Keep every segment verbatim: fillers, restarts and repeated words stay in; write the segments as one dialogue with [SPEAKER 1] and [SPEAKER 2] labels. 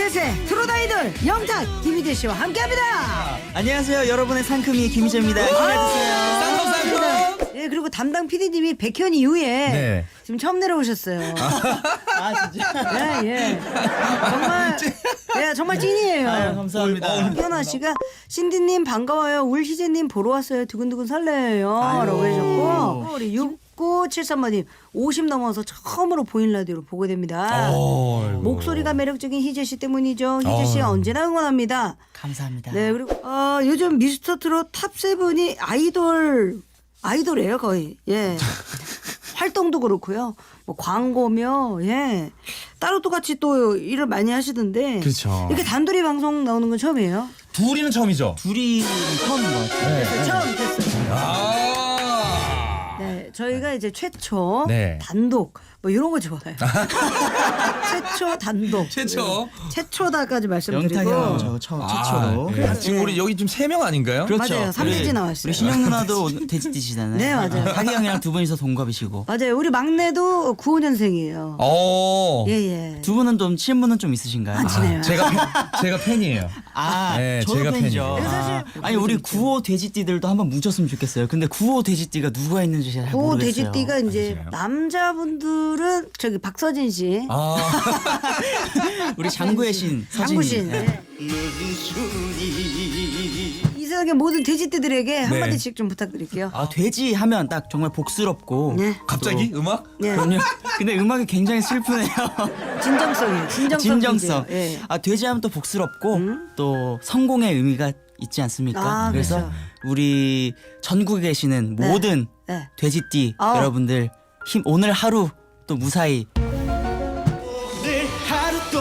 [SPEAKER 1] 대세 트롯 아이돌 영탁 김희재 씨와 함께합니다.
[SPEAKER 2] 안녕하세요, 여러분의 상큼이 김희재입니다. 기대해주세요.
[SPEAKER 1] 쌍쌍쌍. 예, 그리고 담당 피디님이 백현 이후에
[SPEAKER 3] 네.
[SPEAKER 1] 지금 처음 내려오셨어요.
[SPEAKER 2] 아 진짜?
[SPEAKER 1] 예, 예. 정말, 예, 정말 찐이에요.
[SPEAKER 2] 아유, 감사합니다.
[SPEAKER 1] 현아 씨가 신디님 반가워요. 울 희재님 보러 왔어요. 두근두근 설레요.
[SPEAKER 2] 아유.
[SPEAKER 1] 라고 해주셨고 우리 육구칠삼 번님 오십 넘어서 처음으로 보인 라디오로 보게 됩니다.
[SPEAKER 3] 어이구.
[SPEAKER 1] 목소리가 매력적인 희재 씨 때문이죠. 희재 씨
[SPEAKER 3] 어휴.
[SPEAKER 1] 언제나 응원합니다.
[SPEAKER 2] 감사합니다.
[SPEAKER 1] 네, 그리고 어, 요즘 미스터 트롯 탑세븐이 아이돌 아이돌이에요 거의. 예. 활동도 그렇고요. 뭐 광고며 예. 따로 똑같이 또 일을 많이 하시던데.
[SPEAKER 3] 그렇죠.
[SPEAKER 1] 이렇게 단둘이 방송 나오는 건 처음이에요.
[SPEAKER 3] 둘이는 처음이죠.
[SPEAKER 2] 둘이 처음인 것 같아요.
[SPEAKER 3] 네.
[SPEAKER 1] 그래서 처음 됐어요.
[SPEAKER 3] 아.
[SPEAKER 1] 네, 저희가 이제 최초
[SPEAKER 3] 네.
[SPEAKER 1] 단독 뭐 이런 거 좋아해요. 최초 단독.
[SPEAKER 3] 최초.
[SPEAKER 1] 네. 최초다까지 말씀드리고.
[SPEAKER 2] 영탁이 형 저 처음
[SPEAKER 3] 아,
[SPEAKER 2] 최초로.
[SPEAKER 3] 예. 지금 우리 여기 지금 세 명 아닌가요?
[SPEAKER 2] 그렇죠.
[SPEAKER 1] 맞아요. 삼대지
[SPEAKER 2] 우리-
[SPEAKER 1] 나왔어요.
[SPEAKER 2] 우리 신영 누나도 돼지띠시잖아요.
[SPEAKER 1] 네, 맞아요.
[SPEAKER 2] 타기 형이랑 두 분이서 동갑이시고.
[SPEAKER 1] 맞아요. 우리 막내도 구오 년생이에요.
[SPEAKER 3] 어.
[SPEAKER 1] 예, 예.
[SPEAKER 2] 두 분은 좀 친분은 좀 있으신가요?
[SPEAKER 1] 아, 친해요.
[SPEAKER 3] 제가 팬, 제가 팬이에요.
[SPEAKER 2] 아,
[SPEAKER 3] 네,
[SPEAKER 2] 저도
[SPEAKER 3] 제가
[SPEAKER 2] 팬이죠.
[SPEAKER 3] 팬이에요.
[SPEAKER 2] 아, 아니 우리 구호 돼지띠들도 한번 뭉쳤으면 좋겠어요. 근데 구호 돼지띠가 누가 있는지 잘
[SPEAKER 1] 고
[SPEAKER 2] 모르겠어요.
[SPEAKER 1] 돼지띠가 이제
[SPEAKER 3] 맞아요.
[SPEAKER 1] 남자분들은 저기 박서진 씨,
[SPEAKER 3] 아.
[SPEAKER 2] 우리 장구의 신 서진이.
[SPEAKER 1] 장구신.
[SPEAKER 2] 네.
[SPEAKER 1] 이 세상의 모든 돼지띠들에게 한
[SPEAKER 3] 네.
[SPEAKER 1] 마디씩 좀 부탁드릴게요.
[SPEAKER 2] 아 돼지 하면 딱 정말 복스럽고.
[SPEAKER 1] 네.
[SPEAKER 3] 갑자기 음악?
[SPEAKER 1] 네.
[SPEAKER 2] 그럼요. 근데 음악이 굉장히 슬프네요.
[SPEAKER 1] 진정성이에요. 진정성.
[SPEAKER 2] 진정성.
[SPEAKER 1] 퀴즈예요. 예.
[SPEAKER 2] 아 돼지하면 또 복스럽고 또 성공의 의미가 있지 않습니까?
[SPEAKER 1] 아,
[SPEAKER 2] 그래서
[SPEAKER 1] 그렇죠.
[SPEAKER 2] 우리 전국에 계시는
[SPEAKER 1] 네.
[SPEAKER 2] 모든
[SPEAKER 1] 네.
[SPEAKER 2] 돼지띠
[SPEAKER 1] 아우.
[SPEAKER 2] 여러분들 힘 오늘 하루 또 무사히 하루 또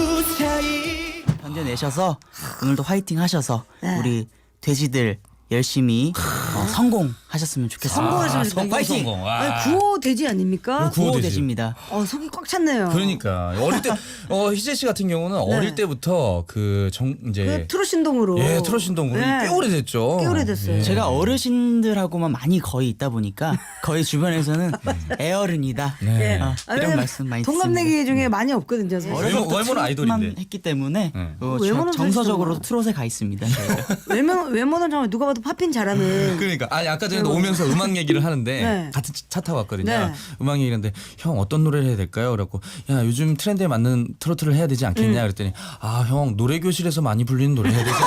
[SPEAKER 2] 무사히 견뎌내셔서 오늘도 화이팅 하셔서
[SPEAKER 1] 네.
[SPEAKER 2] 우리 돼지들 열심히 어, 성공하셨으면 좋겠습니다.
[SPEAKER 1] 성공하시면
[SPEAKER 3] 아,
[SPEAKER 1] 좋겠어요.
[SPEAKER 3] 파이팅! 성공. 와.
[SPEAKER 1] 아니, 구호 돼지 아닙니까?
[SPEAKER 3] 구호
[SPEAKER 2] 구호
[SPEAKER 3] 돼지.
[SPEAKER 2] 돼지입니다.
[SPEAKER 1] 어, 속이 꽉 찼네요.
[SPEAKER 3] 그러니까 어릴 때 어, 희재 씨 같은 경우는 어릴 때부터 그 정 이제
[SPEAKER 1] 네. 그 트롯 신동으로.
[SPEAKER 3] 예 트롯 신동으로
[SPEAKER 1] 네.
[SPEAKER 3] 꽤 오래됐죠.
[SPEAKER 1] 꽤 오래됐어요.
[SPEAKER 3] 예.
[SPEAKER 2] 제가 어르신들하고만 많이 거의 있다 보니까 거의 주변에서는 애어른이다.
[SPEAKER 3] 네.
[SPEAKER 2] 아,
[SPEAKER 1] 아,
[SPEAKER 2] 이런
[SPEAKER 1] 왜냐면
[SPEAKER 2] 말씀 많이
[SPEAKER 1] 동갑내기 중에 많이 없거든요. 사실.
[SPEAKER 3] 어려- 외모- 외모는 아이돌인데.
[SPEAKER 2] 했기 때문에
[SPEAKER 3] 네.
[SPEAKER 2] 어,
[SPEAKER 1] 외모는
[SPEAKER 2] 저- 정서적으로
[SPEAKER 1] 사실
[SPEAKER 2] 트롯에 가 있습니다. 저희가.
[SPEAKER 1] 외모 외모는 정말 누가 봐도 팝핀 잘하는.
[SPEAKER 3] 그러니까 아니 아까 전에도
[SPEAKER 1] 외모.
[SPEAKER 3] 오면서 음악 얘기를 하는데
[SPEAKER 1] 네.
[SPEAKER 3] 같은 차 타고 왔거든요.
[SPEAKER 1] 네.
[SPEAKER 3] 음악 얘기하는데 형 어떤 노래를 해야 될까요? 그래갖고 야 요즘 트렌드에 맞는 트로트를 해야 되지 않겠냐 그랬더니 아 형 노래 교실에서 많이 불리는 노래 해야 되지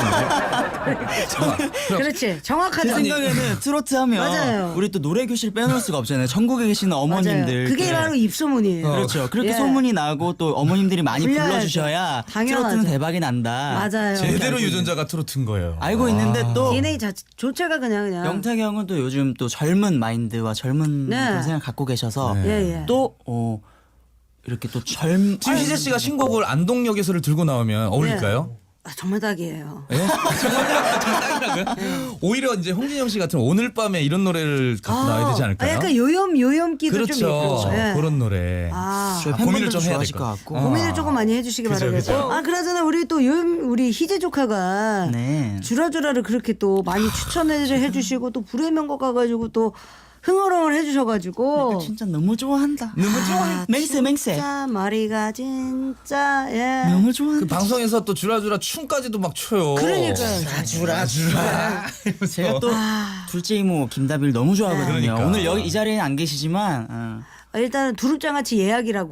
[SPEAKER 3] 않나요?
[SPEAKER 1] 그렇지. 정확하죠.
[SPEAKER 2] 제 생각에는 트로트 하면
[SPEAKER 1] 맞아요.
[SPEAKER 2] 우리 또 노래 교실 빼놓을 수가 없잖아요. 전국에 계시는 어머님들.
[SPEAKER 1] 맞아요. 그게
[SPEAKER 2] 그-
[SPEAKER 1] 바로 입소문이에요.
[SPEAKER 2] 그렇죠. 그렇게
[SPEAKER 1] 예.
[SPEAKER 2] 소문이 나고 또 어머님들이 많이
[SPEAKER 1] 불려야죠.
[SPEAKER 2] 불러주셔야
[SPEAKER 1] 당연하죠.
[SPEAKER 2] 트로트는 대박이 난다.
[SPEAKER 1] 맞아요.
[SPEAKER 3] 제대로 유전자가 트로트인 거예요.
[SPEAKER 2] 알고 있는데 또
[SPEAKER 1] 디엔에이 자체가 그냥 그냥.
[SPEAKER 2] 영탁이 형은 또 요즘 또 젊은 마인드와 젊은
[SPEAKER 1] 네.
[SPEAKER 2] 그런 생각 갖고 계셔서
[SPEAKER 3] 네.
[SPEAKER 1] 예, 예.
[SPEAKER 2] 또 어, 이렇게 또 젊.
[SPEAKER 3] 지금 희재 씨가 신곡을 안동역에서를 들고 나오면 어울릴까요?
[SPEAKER 1] 아, 정말 딱이에요.
[SPEAKER 3] 예? 정말 딱이라고요? 오히려 이제 홍진영 씨 같은 오늘 밤에 이런 노래를 갖고 나와야 되지 않을까요?
[SPEAKER 1] 아, 약간 요염 요염기도
[SPEAKER 3] 그렇죠.
[SPEAKER 1] 좀 있고. 예.
[SPEAKER 3] 그런 노래.
[SPEAKER 1] 아.
[SPEAKER 2] 저희
[SPEAKER 3] 아, 고민을
[SPEAKER 2] 팬분들도
[SPEAKER 3] 좀 해야
[SPEAKER 2] 좋아하실
[SPEAKER 3] 될
[SPEAKER 2] 것
[SPEAKER 3] 것
[SPEAKER 2] 같고.
[SPEAKER 3] 같고.
[SPEAKER 1] 고민을 조금 많이 해주시기
[SPEAKER 3] 그죠,
[SPEAKER 1] 바라겠고.
[SPEAKER 3] 그죠.
[SPEAKER 1] 아, 그나저나 우리 또 요염 우리 희재 조카가
[SPEAKER 2] 네.
[SPEAKER 1] 주라주라를 그렇게 또 많이 추천을 해주시고 또 불의 명곡 가가지고 또 흥얼흥얼 해주셔가지고.
[SPEAKER 2] 진짜 너무 좋아한다.
[SPEAKER 3] 너무
[SPEAKER 1] 아,
[SPEAKER 2] 맹세 맹세.
[SPEAKER 1] 진짜 머리가 진짜 예.
[SPEAKER 2] 너무 좋아한다.
[SPEAKER 3] 그 방송에서 또 주라주라 춤까지도 막 춰요.
[SPEAKER 1] 그러니까요.
[SPEAKER 3] 주라 주라.
[SPEAKER 2] 제가 또 둘째 이모 김다비를 너무 좋아하거든요.
[SPEAKER 3] 네. 그러니까.
[SPEAKER 2] 오늘 여기 이 자리에는 안 계시지만 어.
[SPEAKER 1] 아, 일단은 두릅장아찌 예약이라고.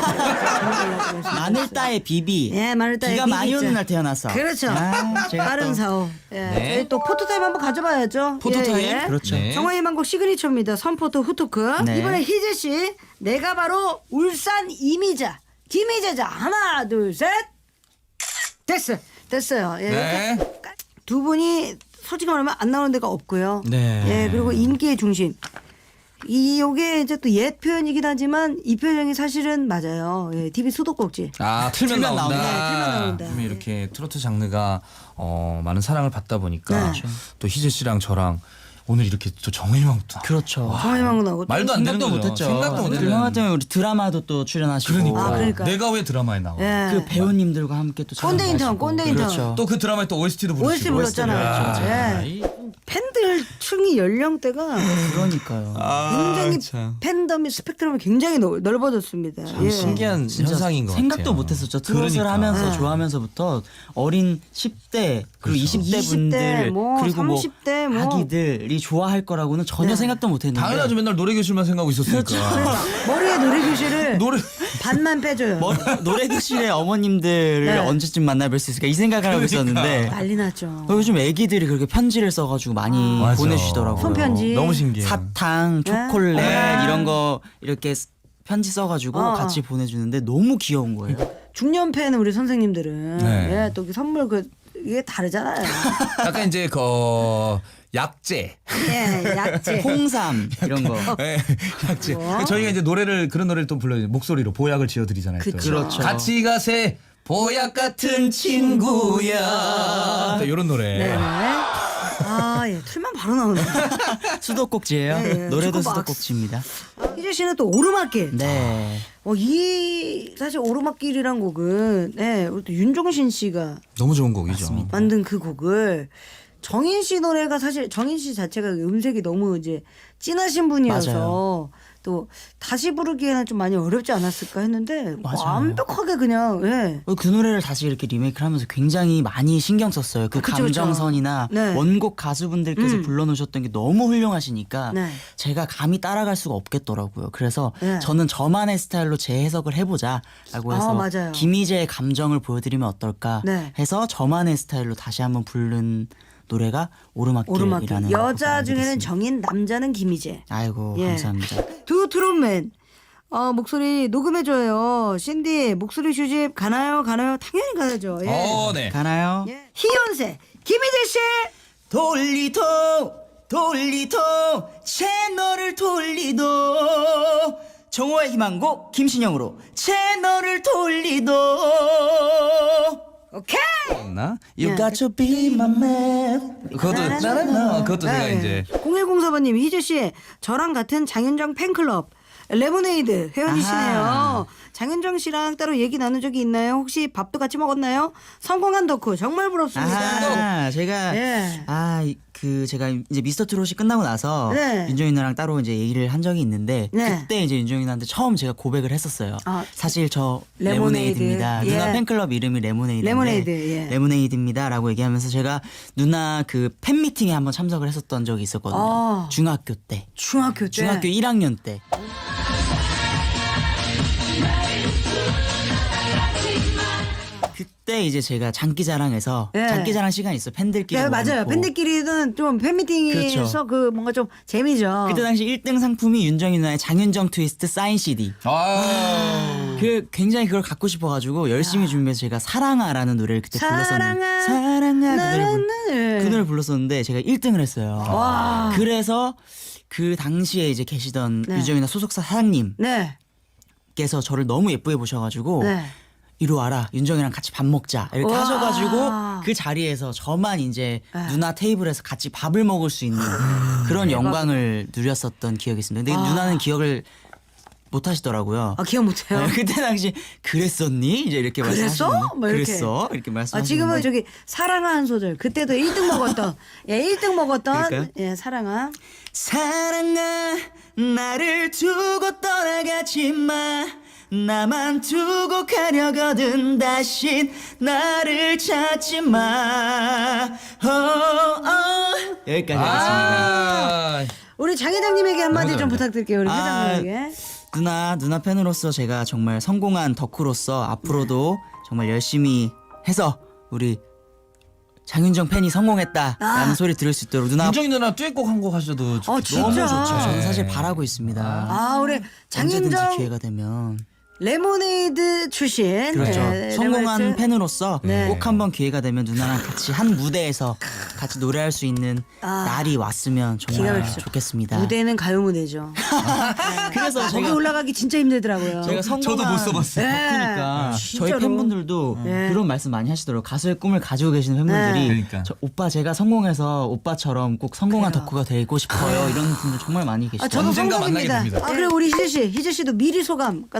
[SPEAKER 2] 마늘따의 비비.
[SPEAKER 1] 예, 마늘따의
[SPEAKER 2] 비가
[SPEAKER 1] 비비
[SPEAKER 2] 많이
[SPEAKER 1] 있죠.
[SPEAKER 2] 오는 날 태어나서.
[SPEAKER 1] 그렇죠.
[SPEAKER 2] 아, 제가
[SPEAKER 1] 빠른
[SPEAKER 2] 또-
[SPEAKER 1] 사오. 예.
[SPEAKER 3] 네.
[SPEAKER 1] 저희 또 포토타임 한번 가져봐야죠.
[SPEAKER 3] 포토타임?
[SPEAKER 1] 예, 예.
[SPEAKER 2] 그렇죠.
[SPEAKER 3] 네.
[SPEAKER 1] 정화의 만곡 시그니처입니다. 선포토 후토크.
[SPEAKER 2] 네.
[SPEAKER 1] 이번에 희재 씨, 내가 바로 울산 이미자 김희재자. 하나, 둘, 셋. 됐어, 됐어요. 예,
[SPEAKER 3] 네.
[SPEAKER 1] 이렇게 두 분이 솔직히 말하면 안 나오는 데가 없고요.
[SPEAKER 3] 네.
[SPEAKER 1] 예, 그리고 인기의 중심. 이 요게 이제 또 옛 표현이긴 하지만 이 표현이 사실은 맞아요. 예, 티비 수도꼭지.
[SPEAKER 3] 아 틀면,
[SPEAKER 2] 틀면
[SPEAKER 3] 나온다.
[SPEAKER 2] 나온다.
[SPEAKER 1] 네, 틀면 나온다.
[SPEAKER 3] 그러면 이렇게 트로트 장르가 어, 많은 사랑을 받다 보니까
[SPEAKER 1] 네.
[SPEAKER 3] 또 희재 씨랑 저랑 오늘 이렇게 또 정일망도
[SPEAKER 2] 그렇죠.
[SPEAKER 1] 정화의 만곡 나오고.
[SPEAKER 3] 말도 안 되는
[SPEAKER 2] 생각도
[SPEAKER 3] 거죠.
[SPEAKER 2] 못했죠.
[SPEAKER 3] 생각도 못
[SPEAKER 2] 그
[SPEAKER 3] 했는.
[SPEAKER 2] 형 같은 경우 우리 드라마도 또 출연하시고.
[SPEAKER 3] 그러니까.
[SPEAKER 1] 아, 그러니까.
[SPEAKER 3] 내가 왜 드라마에 나와?
[SPEAKER 1] 예.
[SPEAKER 2] 그 배우님들과 함께 또
[SPEAKER 1] 꼰대 인턴,
[SPEAKER 2] 촬영하시고.
[SPEAKER 1] 꼰대 인턴.
[SPEAKER 2] 그렇죠.
[SPEAKER 3] 또 그 드라마에 또 오에스티도 부르시고.
[SPEAKER 1] 오에스티 불렀잖아요.
[SPEAKER 3] 야,
[SPEAKER 1] 예.
[SPEAKER 3] 이
[SPEAKER 1] 팬들 층이 연령대가
[SPEAKER 2] 그러니까요.
[SPEAKER 1] 굉장히
[SPEAKER 3] 참.
[SPEAKER 1] 팬덤이 스펙트럼이 굉장히 넓- 넓어졌습니다. 예.
[SPEAKER 3] 신기한
[SPEAKER 2] 진짜
[SPEAKER 3] 현상인 것
[SPEAKER 2] 생각도
[SPEAKER 3] 같아요.
[SPEAKER 2] 못했었죠. 트롯을
[SPEAKER 3] 그러니까.
[SPEAKER 2] 하면서
[SPEAKER 1] 네.
[SPEAKER 2] 좋아하면서부터 어린 십 대 그리고
[SPEAKER 3] 그렇죠.
[SPEAKER 2] 이십 대
[SPEAKER 1] 이십 대,
[SPEAKER 2] 분들
[SPEAKER 1] 뭐
[SPEAKER 2] 그리고 뭐
[SPEAKER 1] 삼십 대 뭐.
[SPEAKER 2] 아기들이 좋아할 거라고는 전혀
[SPEAKER 1] 네.
[SPEAKER 2] 생각도 못했는데
[SPEAKER 3] 당연하죠. 맨날 노래 교실만 생각하고 있었으니까.
[SPEAKER 1] 머리에 노래교실을
[SPEAKER 3] 노래
[SPEAKER 1] 반만 빼줘요.
[SPEAKER 2] 머- 노래교실의 어머님들을
[SPEAKER 1] 네.
[SPEAKER 2] 언제쯤 만나뵐 수 있을까 이 생각을 하고 있었는데
[SPEAKER 1] 난리 났죠.
[SPEAKER 2] 어, 요즘 애기들이 그렇게 편지를 써가지고 많이
[SPEAKER 3] 맞아.
[SPEAKER 2] 보내주시더라고요.
[SPEAKER 1] 손편지.
[SPEAKER 3] 너무 신기해요.
[SPEAKER 2] 사탕, 초콜릿
[SPEAKER 1] 네.
[SPEAKER 2] 이런 거 이렇게 쓰- 편지 써가지고
[SPEAKER 1] 어.
[SPEAKER 2] 같이 보내주는데 너무 귀여운 거예요.
[SPEAKER 1] 중년 팬 우리 선생님들은
[SPEAKER 3] 네.
[SPEAKER 1] 예, 또 선물 그 이게 다르잖아요.
[SPEAKER 3] 약간 이제 그 어, 약재.
[SPEAKER 1] 예, 약재.
[SPEAKER 2] 홍삼 이런 거.
[SPEAKER 3] 네, 약재.
[SPEAKER 1] 뭐?
[SPEAKER 3] 저희가 이제 노래를 그런 노래를 또 불러 목소리로 보약을 지어드리잖아요. 또.
[SPEAKER 1] 그쵸.
[SPEAKER 2] 그렇죠.
[SPEAKER 3] 같이 가세 보약 같은 친구야. 이런 노래.
[SPEAKER 1] 네네. 아, 예, 틀만 바로 나오네.
[SPEAKER 2] 수도꼭지예요.
[SPEAKER 1] 네, 예.
[SPEAKER 2] 노래도
[SPEAKER 1] 주고박스.
[SPEAKER 2] 수도꼭지입니다.
[SPEAKER 1] 희재 씨는 또 오르막길.
[SPEAKER 2] 네.
[SPEAKER 1] 어, 이 사실 오르막길이란 곡은 네, 우리 또 윤종신 씨가
[SPEAKER 3] 너무 좋은 곡이죠.
[SPEAKER 1] 만든 그 곡을 정인 씨 노래가 사실 정인 씨 자체가 음색이 너무 이제 진하신 분이어서
[SPEAKER 2] 맞아요.
[SPEAKER 1] 또 다시 부르기에는 좀 많이 어렵지 않았을까 했는데
[SPEAKER 2] 맞아요.
[SPEAKER 1] 완벽하게 그냥 예.
[SPEAKER 2] 어, 그 노래를 다시 이렇게 리메이크를 하면서 굉장히 많이 신경 썼어요. 그
[SPEAKER 1] 그쵸, 그쵸.
[SPEAKER 2] 감정선이나
[SPEAKER 1] 네.
[SPEAKER 2] 원곡 가수분들께서
[SPEAKER 1] 음.
[SPEAKER 2] 불러놓으셨던 게 너무 훌륭하시니까
[SPEAKER 1] 네.
[SPEAKER 2] 제가 감히 따라갈 수가 없겠더라고요. 그래서
[SPEAKER 1] 네.
[SPEAKER 2] 저는 저만의 스타일로 재해석을 해보자라고 해서
[SPEAKER 1] 아, 맞아요.
[SPEAKER 2] 김희재의 감정을 보여드리면 어떨까
[SPEAKER 1] 네.
[SPEAKER 2] 해서 저만의 스타일로 다시 한번 부른 노래가
[SPEAKER 1] 오르막길.
[SPEAKER 2] 오르막길이라는
[SPEAKER 1] 여자
[SPEAKER 2] 곡을
[SPEAKER 1] 중에는
[SPEAKER 2] 만들었습니다.
[SPEAKER 1] 정인, 남자는 김희재.
[SPEAKER 2] 아이고
[SPEAKER 1] 예.
[SPEAKER 2] 감사합니다.
[SPEAKER 1] 두 트롯맨. 어, 목소리 녹음해줘요. 신디 목소리 휴집 가나요? 가나요? 당연히 가야죠. 예.
[SPEAKER 3] 어, 네.
[SPEAKER 2] 가나요?
[SPEAKER 1] 예. 희연세 김희재 씨.
[SPEAKER 2] 돌리도 돌리도 채널을 돌리도 정호의 희망곡 김신영으로 채널을 돌리도
[SPEAKER 1] 오케이.
[SPEAKER 3] 나 You
[SPEAKER 1] 네.
[SPEAKER 3] got to be my man. 그것도 나나 그것도 제가 이제
[SPEAKER 1] 공일공사 번님 희재 씨 저랑 같은 장윤정 팬클럽 레모네이드 회원이시네요.
[SPEAKER 2] 아하.
[SPEAKER 1] 장윤정 씨랑 따로 얘기 나눈 적이 있나요? 혹시 밥도 같이 먹었나요? 성공한 덕후 정말 부럽습니다.
[SPEAKER 2] 아 제가
[SPEAKER 1] 예.
[SPEAKER 2] 아 그 제가 이제 미스터 트롯이 끝나고 나서
[SPEAKER 1] 네.
[SPEAKER 2] 윤정이 누나랑 따로 이제 얘기를 한 적이 있는데
[SPEAKER 1] 네.
[SPEAKER 2] 그때 이제 윤정이 누나한테 처음 제가 고백을 했었어요.
[SPEAKER 1] 아,
[SPEAKER 2] 사실 저
[SPEAKER 1] 레모네이드.
[SPEAKER 2] 레모네이드입니다.
[SPEAKER 1] 예.
[SPEAKER 2] 누나 팬클럽 이름이 레모네이드인데
[SPEAKER 1] 레모네이드, 예.
[SPEAKER 2] 레모네이드입니다라고 얘기하면서 제가 누나 그 팬미팅에 한번 참석을 했었던 적이 있었거든요.
[SPEAKER 1] 아.
[SPEAKER 2] 중학교 때.
[SPEAKER 1] 중학교 때.
[SPEAKER 2] 중학교 일 학년 때. 그때 이제 제가 장기자랑에서
[SPEAKER 1] 예.
[SPEAKER 2] 장기자랑 시간이 있어 팬들끼리
[SPEAKER 1] 네, 맞아요.
[SPEAKER 2] 모아놓고.
[SPEAKER 1] 팬들끼리는 좀 팬미팅에서
[SPEAKER 2] 그렇죠.
[SPEAKER 1] 그 뭔가 좀 재미죠.
[SPEAKER 2] 그때 당시 일 등 상품이 윤정이 누나의 장윤정 트위스트 사인 씨디.
[SPEAKER 3] 아.
[SPEAKER 2] 그 굉장히 그걸 갖고 싶어가지고 열심히 준비해서 제가 사랑아라는 노래를 그때 불렀었는데
[SPEAKER 1] 사랑아,
[SPEAKER 2] 사랑아 그 노래를, 불,
[SPEAKER 1] 나는
[SPEAKER 2] 그 노래를 불렀었는데 제가 일 등을 했어요.
[SPEAKER 1] 와.
[SPEAKER 2] 그래서 그 당시에 이제 계시던
[SPEAKER 1] 네.
[SPEAKER 2] 윤정이 누나 소속사 사장님께서
[SPEAKER 1] 네.
[SPEAKER 2] 저를 너무 예쁘게 보셔가지고
[SPEAKER 1] 네.
[SPEAKER 2] 이리 와라 윤정이랑 같이 밥 먹자 이렇게
[SPEAKER 1] 와.
[SPEAKER 2] 하셔가지고 그 자리에서 저만 이제
[SPEAKER 1] 네.
[SPEAKER 2] 누나 테이블에서 같이 밥을 먹을 수 있는 그런 영광을 누렸었던 기억이 있습니다. 근데
[SPEAKER 1] 아.
[SPEAKER 2] 누나는 기억을 못 하시더라고요.
[SPEAKER 1] 아, 기억 못 해요.
[SPEAKER 2] 네, 그때 당시 그랬었니? 이제 이렇게
[SPEAKER 1] 그랬어?
[SPEAKER 2] 말씀하시는데
[SPEAKER 1] 뭐 이렇게.
[SPEAKER 2] 그랬어? 이렇게
[SPEAKER 1] 아,
[SPEAKER 2] 말씀하시는데
[SPEAKER 1] 지금은 저기 사랑아 한 소절. 그때도 일 등 먹었던. 예, 일 등 먹었던
[SPEAKER 2] 그럴까요?
[SPEAKER 1] 예, 사랑아.
[SPEAKER 2] 사랑아 나를 두고 떠나가지 마 나만 두고 가려거든 다신 나를 찾지 마 어, 어. 여기까지 하겠습니다.
[SPEAKER 3] 아.
[SPEAKER 1] 우리 장 회장님에게 한마디
[SPEAKER 3] 너무
[SPEAKER 1] 좀
[SPEAKER 3] 잘한다.
[SPEAKER 1] 부탁드릴게요. 우리
[SPEAKER 2] 아,
[SPEAKER 1] 회장님에게.
[SPEAKER 2] 누나 누나 팬으로서 제가 정말 성공한 덕후로서 앞으로도 정말 열심히 해서 우리 장윤정 팬이 성공했다라는
[SPEAKER 1] 아.
[SPEAKER 2] 소리 들을 수 있도록 누나
[SPEAKER 3] 윤정이 누나 듀엣곡 한 곡 하셔도 좋-
[SPEAKER 1] 어, 진짜.
[SPEAKER 3] 너무 좋죠.
[SPEAKER 2] 저는 사실 바라고 있습니다.
[SPEAKER 1] 아, 우리
[SPEAKER 2] 언제든지
[SPEAKER 1] 장윤정
[SPEAKER 2] 기회가 되면
[SPEAKER 1] 레모네이드 출신.
[SPEAKER 2] 그렇죠.
[SPEAKER 1] 예,
[SPEAKER 2] 성공한
[SPEAKER 1] 레모네이드.
[SPEAKER 2] 팬으로서
[SPEAKER 1] 네.
[SPEAKER 2] 꼭 한번 기회가 되면 누나랑 같이 한 무대에서 같이 노래할 수 있는
[SPEAKER 1] 아.
[SPEAKER 2] 날이 왔으면
[SPEAKER 1] 기가
[SPEAKER 2] 정말
[SPEAKER 1] 막히죠.
[SPEAKER 2] 좋겠습니다.
[SPEAKER 1] 무대는 가요 무대죠.
[SPEAKER 2] 그래서
[SPEAKER 1] 거기
[SPEAKER 2] 제가
[SPEAKER 1] 올라가기 진짜 힘들더라고요.
[SPEAKER 2] 제가 성공한
[SPEAKER 3] 저도 못 써봤어요.
[SPEAKER 1] 네.
[SPEAKER 2] 그러니까
[SPEAKER 1] 진짜로.
[SPEAKER 2] 저희 팬분들도
[SPEAKER 1] 네.
[SPEAKER 2] 그런 말씀 많이 하시더라고요. 가수의 꿈을 가지고 계시는 팬분들이
[SPEAKER 1] 네.
[SPEAKER 3] 그러니까.
[SPEAKER 2] 저, 오빠 제가 성공해서 오빠처럼 꼭 성공한
[SPEAKER 1] 그래요.
[SPEAKER 2] 덕후가 되고 싶어요. 이런 분들 정말 많이
[SPEAKER 1] 아,
[SPEAKER 2] 계시더라고요.
[SPEAKER 1] 저도
[SPEAKER 3] 언젠가 만나게
[SPEAKER 1] 성공입니다.
[SPEAKER 3] 됩니다.
[SPEAKER 1] 아, 그리고 우리 희재 씨, 희재 씨도 미리 소감 같은 거 좀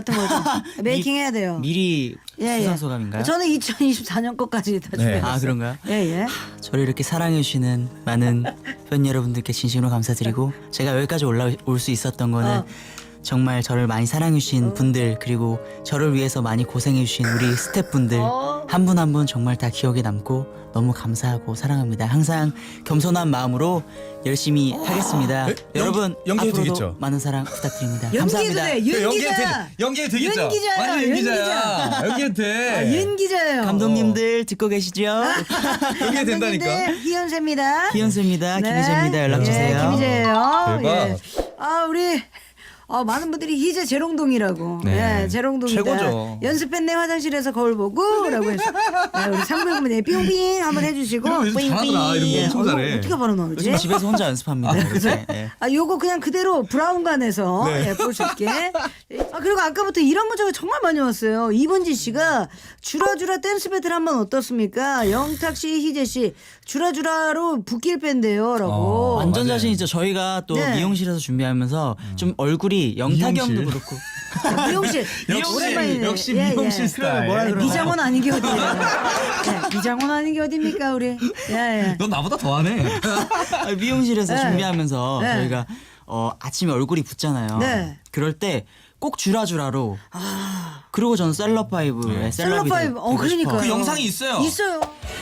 [SPEAKER 1] 메이킹 해야 돼요.
[SPEAKER 2] 미리
[SPEAKER 1] 예,
[SPEAKER 2] 수상
[SPEAKER 1] 예.
[SPEAKER 2] 소감인가요?
[SPEAKER 1] 저는 이천이십사 년 것까지 다
[SPEAKER 3] 네.
[SPEAKER 1] 준비했어요.
[SPEAKER 2] 아 그런가요?
[SPEAKER 1] 예, 예.
[SPEAKER 2] 저를 이렇게 사랑해 주시는 많은 팬 여러분들께 진심으로 감사드리고 제가 여기까지 올라올 수 있었던 거는
[SPEAKER 1] 어.
[SPEAKER 2] 정말 저를 많이 사랑해 주신 분들 그리고 저를 위해서 많이 고생해 주신 우리 스태프분들
[SPEAKER 1] 어.
[SPEAKER 2] 한 분 한 분 정말 다 기억에 남고 너무 감사하고 사랑합니다. 항상 겸손한 마음으로 열심히 하겠습니다.
[SPEAKER 3] 에?
[SPEAKER 2] 여러분
[SPEAKER 3] 연기- 연기해도
[SPEAKER 2] 앞으로도
[SPEAKER 3] 되겠죠?
[SPEAKER 2] 많은 사랑 부탁드립니다.
[SPEAKER 1] 연기해도
[SPEAKER 2] 감사합니다.
[SPEAKER 1] 돼. 연기자.
[SPEAKER 3] 연기해도 되겠죠?
[SPEAKER 1] 연기자야,
[SPEAKER 3] 완전 연기자야.
[SPEAKER 1] 연기자.
[SPEAKER 3] 연기해도 돼.
[SPEAKER 1] 아, 연기자예요.
[SPEAKER 2] 감독님들 듣고 계시죠?
[SPEAKER 3] 연기해도 된다니까.
[SPEAKER 1] 감독님들, 희연세입니다.
[SPEAKER 2] 희연수입니다.
[SPEAKER 1] 네.
[SPEAKER 2] 김희재입니다. 연락 주세요.
[SPEAKER 1] 예, 김희재예요.
[SPEAKER 3] 대박.
[SPEAKER 1] 예. 아 우리 어, 많은 분들이 희재 재롱동이라고.
[SPEAKER 3] 네.
[SPEAKER 1] 예, 재롱동이다.
[SPEAKER 3] 최고죠.
[SPEAKER 1] 연습했네 화장실에서 거울 보고라고 해서 네, 우리 상부형분에 삥삥 한번 해주시고.
[SPEAKER 3] 이런 거 요즘 잘하더라. 이런 거
[SPEAKER 1] 예,
[SPEAKER 3] 엄청
[SPEAKER 1] 어,
[SPEAKER 3] 잘해.
[SPEAKER 1] 어떻게 바로 나오지?
[SPEAKER 2] 요즘 집에서 혼자 연습합니다. 이렇게. 예.
[SPEAKER 1] 아, 요거 그냥 그대로 브라운관에서
[SPEAKER 3] 네.
[SPEAKER 1] 예, 볼 수 있게. 아, 그리고 아까부터 이런 문자가 정말 많이 왔어요. 이번지 씨가 주라주라 댄스 배틀 한번 어떻습니까? 영탁 씨, 희재 씨, 주라주라로 붓길 뺀대요. 라고.
[SPEAKER 3] 어,
[SPEAKER 2] 완전
[SPEAKER 3] 맞아요.
[SPEAKER 2] 자신 있죠. 저희가 또
[SPEAKER 1] 네.
[SPEAKER 2] 미용실에서 준비하면서 좀 얼굴이 영탁이
[SPEAKER 3] 미용실?
[SPEAKER 2] 형도 그렇고
[SPEAKER 1] 아, 미용실.
[SPEAKER 3] 역시
[SPEAKER 1] 오랜만이네.
[SPEAKER 3] 역시
[SPEAKER 1] 예,
[SPEAKER 3] 미용실
[SPEAKER 1] 예.
[SPEAKER 3] 스타일.
[SPEAKER 2] 뭐라 그러나?
[SPEAKER 1] 미장원 아닌 게 어디예요? 예, 미장원 아닌 게 어딥니까, 우리? 예, 예.
[SPEAKER 3] 넌 나보다 더하네.
[SPEAKER 2] 아, 미용실에서
[SPEAKER 1] 네.
[SPEAKER 2] 준비하면서
[SPEAKER 1] 네.
[SPEAKER 2] 저희가 어, 아침에 얼굴이 붓잖아요.
[SPEAKER 1] 네.
[SPEAKER 2] 그럴 때 꼭 주라주라로.
[SPEAKER 1] 아,
[SPEAKER 2] 그리고 저는 셀럽파이브의 셀럽이
[SPEAKER 1] 셀럽파이브.
[SPEAKER 2] 되고
[SPEAKER 1] 어, 그러니까요.
[SPEAKER 2] 싶어요.
[SPEAKER 3] 그 영상이 있어요.
[SPEAKER 1] 있어요.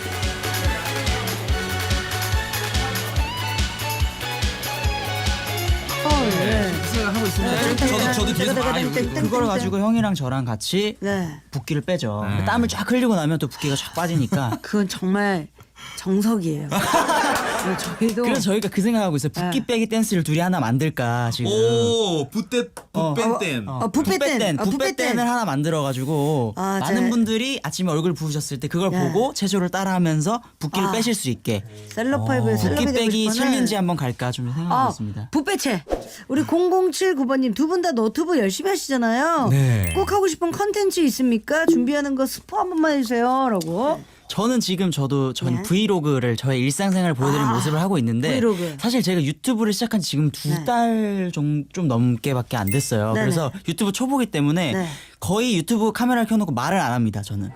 [SPEAKER 1] 어, 예.
[SPEAKER 3] 하고 있습니다.
[SPEAKER 1] 네.
[SPEAKER 3] 저도 저도 뒤에서 아 이거 이거.
[SPEAKER 2] 그걸 가지고 형이랑 저랑 같이
[SPEAKER 1] 네.
[SPEAKER 2] 붓기를 빼죠.
[SPEAKER 3] 네.
[SPEAKER 2] 땀을 쫙 흘리고 나면 또 붓기가 쫙 빠지니까.
[SPEAKER 1] 그건 정말 정석이에요. 네, 저희도
[SPEAKER 2] 그래서 저희가 그 생각하고 있어요. 붓기
[SPEAKER 1] 네.
[SPEAKER 2] 빼기 댄스를 둘이 하나 만들까 지금.
[SPEAKER 3] 오 붓대
[SPEAKER 2] 어.
[SPEAKER 3] 붓뺀
[SPEAKER 1] 어, 붓빼 댄. 어, 붓빼
[SPEAKER 2] 붓빼
[SPEAKER 1] 댄.
[SPEAKER 2] 댄을 하나 만들어가지고
[SPEAKER 1] 아,
[SPEAKER 2] 많은
[SPEAKER 1] 제-
[SPEAKER 2] 분들이 아침에 얼굴 부으셨을 때 그걸
[SPEAKER 1] 네.
[SPEAKER 2] 보고 체조를 따라하면서 붓기를
[SPEAKER 1] 아.
[SPEAKER 2] 빼실 수 있게
[SPEAKER 1] 셀럽파이브의 셀럽이
[SPEAKER 2] 붓기
[SPEAKER 1] 되고
[SPEAKER 2] 빼기
[SPEAKER 1] 싶어는
[SPEAKER 2] 챌린지 한번 갈까 좀 생각하고
[SPEAKER 1] 아,
[SPEAKER 2] 있습니다.
[SPEAKER 1] 붓배채. 우리 공공칠구 번님 두 분 다 너튜브 열심히 하시잖아요.
[SPEAKER 3] 네.
[SPEAKER 1] 꼭 하고 싶은 컨텐츠 있습니까? 준비하는 거 스포 한 번만 해주세요.라고.
[SPEAKER 2] 저는 지금 저도 전
[SPEAKER 1] 네.
[SPEAKER 2] 브이로그를 저의 일상생활 보여드리는
[SPEAKER 1] 아,
[SPEAKER 2] 모습을 하고 있는데
[SPEAKER 1] 브이로그.
[SPEAKER 2] 사실 제가 유튜브를 시작한 지 지금 두
[SPEAKER 1] 네.
[SPEAKER 2] 달 좀 좀 넘게밖에 안 됐어요.
[SPEAKER 1] 네네.
[SPEAKER 2] 그래서 유튜브 초보기 때문에
[SPEAKER 1] 네.
[SPEAKER 2] 거의 유튜브 카메라를 켜놓고 말을 안 합니다. 저는.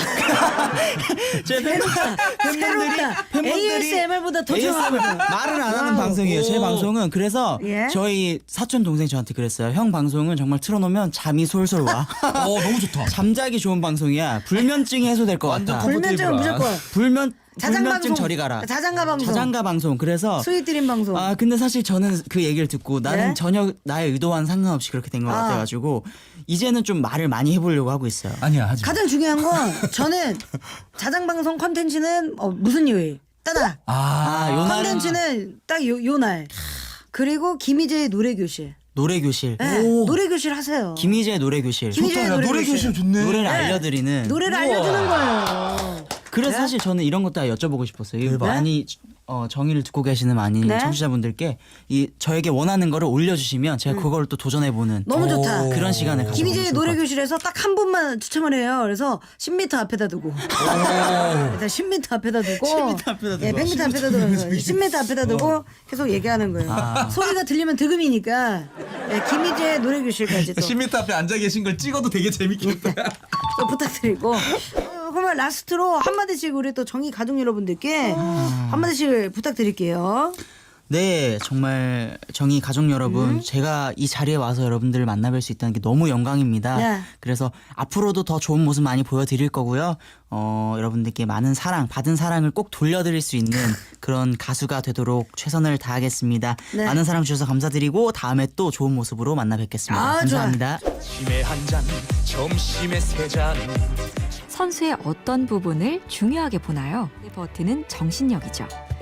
[SPEAKER 2] 제
[SPEAKER 1] 새롭다. 에이에스엠알보다 더 좋아.
[SPEAKER 2] 말을 안 하는
[SPEAKER 1] 와우.
[SPEAKER 2] 방송이에요. 제
[SPEAKER 3] 오.
[SPEAKER 2] 방송은 그래서
[SPEAKER 1] 예?
[SPEAKER 2] 저희 사촌 동생 저한테 그랬어요. 형 방송은 정말 틀어놓으면 잠이 솔솔 와.
[SPEAKER 3] 어 너무 좋다.
[SPEAKER 2] 잠자기 좋은 방송이야. 불면증이 해소될 것
[SPEAKER 3] 완전
[SPEAKER 2] 같아.
[SPEAKER 3] 컴-
[SPEAKER 1] 불면증은
[SPEAKER 3] 컴포테이블한.
[SPEAKER 1] 무조건.
[SPEAKER 2] 불면
[SPEAKER 1] 자장
[SPEAKER 2] 불면증
[SPEAKER 1] 방송.
[SPEAKER 2] 저리 가라.
[SPEAKER 1] 자장가 방송.
[SPEAKER 2] 자장가 방송. 그래서
[SPEAKER 1] 스윗 드림 방송.
[SPEAKER 2] 아 근데 사실 저는 그 얘기를 듣고 나는
[SPEAKER 1] 네?
[SPEAKER 2] 전혀 나의 의도와는 상관없이 그렇게 된 것
[SPEAKER 1] 아.
[SPEAKER 2] 같아가지고 이제는 좀 말을 많이 해보려고 하고 있어요.
[SPEAKER 3] 아니야 하지. 마.
[SPEAKER 1] 가장 중요한 건 저는 자장 방송 컨텐츠는 어, 무슨 요일? 따다.
[SPEAKER 2] 아, 요 날은
[SPEAKER 1] 컨텐츠는 딱 요 요 날. 그리고 김희재의 노래 교실.
[SPEAKER 2] 노래 교실.
[SPEAKER 1] 네,
[SPEAKER 3] 오.
[SPEAKER 1] 노래 교실 하세요.
[SPEAKER 2] 김희재 노래 교실.
[SPEAKER 1] 김희재
[SPEAKER 3] 좋다. 야,
[SPEAKER 1] 노래
[SPEAKER 3] 노래
[SPEAKER 1] 교실.
[SPEAKER 3] 교실 좋네.
[SPEAKER 2] 노래를
[SPEAKER 1] 네.
[SPEAKER 2] 알려드리는.
[SPEAKER 1] 노래를
[SPEAKER 3] 우와.
[SPEAKER 1] 알려주는 거예요.
[SPEAKER 2] 그래서
[SPEAKER 1] 네?
[SPEAKER 2] 사실 저는 이런 것도 다 여쭤보고 싶었어요. 이
[SPEAKER 3] 대박.
[SPEAKER 2] 많이 어, 정의를 듣고 계시는 많이
[SPEAKER 1] 네?
[SPEAKER 2] 청취자분들께 이 저에게 원하는 거를 올려주시면 제가 그걸 또 도전해보는
[SPEAKER 1] 음. 너무 좋다.
[SPEAKER 2] 그런 시간을 가져보고
[SPEAKER 1] 김희재의
[SPEAKER 2] 싶을 것
[SPEAKER 1] 노래
[SPEAKER 2] 같아요.
[SPEAKER 1] 교실에서 딱 한 분만 추첨을 해요. 그래서 십 미터 앞에다 두고. 일단 십 미터 앞에다 두고.
[SPEAKER 2] 십 미터 앞에다 두고.
[SPEAKER 1] 예, 백 미터 앞에다 두고. 십 미터 앞에다 두고 계속 얘기하는 거예요.
[SPEAKER 2] 아.
[SPEAKER 1] 소리가 들리면 득음이니까. 예, 김희재의 노래 교실까지 또,
[SPEAKER 3] 십 미터 앞에 앉아 계신 걸 찍어도 되게 재밌겠다.
[SPEAKER 1] 또 부탁드리고. 어, 그러면 라스트로 한마디씩 우리 또 정의 가족 여러분들께 한마디씩 부탁드릴게요.
[SPEAKER 2] 네, 정말 정의 가족 여러분,
[SPEAKER 1] 음.
[SPEAKER 2] 제가 이 자리에 와서 여러분들을 만나뵐 수 있다는 게 너무 영광입니다.
[SPEAKER 1] 네.
[SPEAKER 2] 그래서 앞으로도 더 좋은 모습 많이 보여드릴 거고요. 어, 여러분들께 많은 사랑, 받은 사랑을 꼭 돌려드릴 수 있는 그런 가수가 되도록 최선을 다하겠습니다.
[SPEAKER 1] 네.
[SPEAKER 2] 많은 사랑 주셔서 감사드리고 다음에 또 좋은 모습으로 만나 뵙겠습니다.
[SPEAKER 1] 아,
[SPEAKER 2] 감사합니다.
[SPEAKER 4] 아침에 한 잔, 점심에 세 잔.
[SPEAKER 5] 선수의 어떤 부분을 중요하게 보나요? 버티는 정신력이죠.